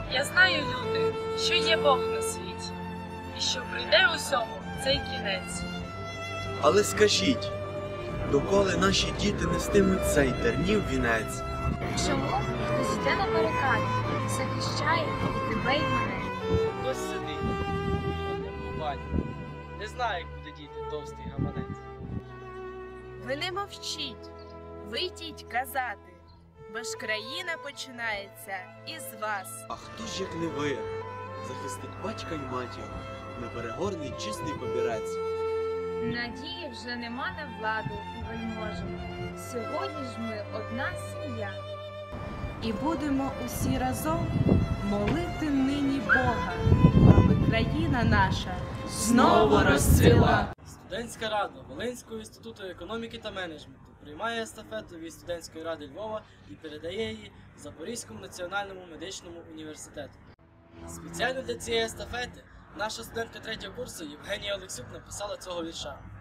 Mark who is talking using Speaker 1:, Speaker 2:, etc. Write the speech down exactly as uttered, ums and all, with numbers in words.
Speaker 1: Я знаю, люди, що є Бог на світі, і що прийде усьому цей кінець.
Speaker 2: Але скажіть, доколи наші діти нестимуть цей тернів вінець?
Speaker 3: Чому хтось йде на барикади, захищає і тебе, і мене?
Speaker 4: Хтось сидить, на ньому батько, не знає, куди діти товстий гаманець.
Speaker 5: Ви не мовчіть, вийдіть казати, бо ж країна починається із вас.
Speaker 2: А хто ж, як не ви, захистить батька й матір, неперегорний чистий побірець?
Speaker 3: Надії вже нема на владу і вельможу. Сьогодні ж ми одна сім'я.
Speaker 5: І будемо усі разом молити нині Бога, аби країна наша знову розцвіла.
Speaker 4: Студентська рада Волинського інституту економіки та менеджменту приймає естафету від студентської ради Львова і передає її Запорізькому національному медичному університету. Спеціально для цієї естафети наша студентка третього курсу Євгенія Олексюк написала цього вірша.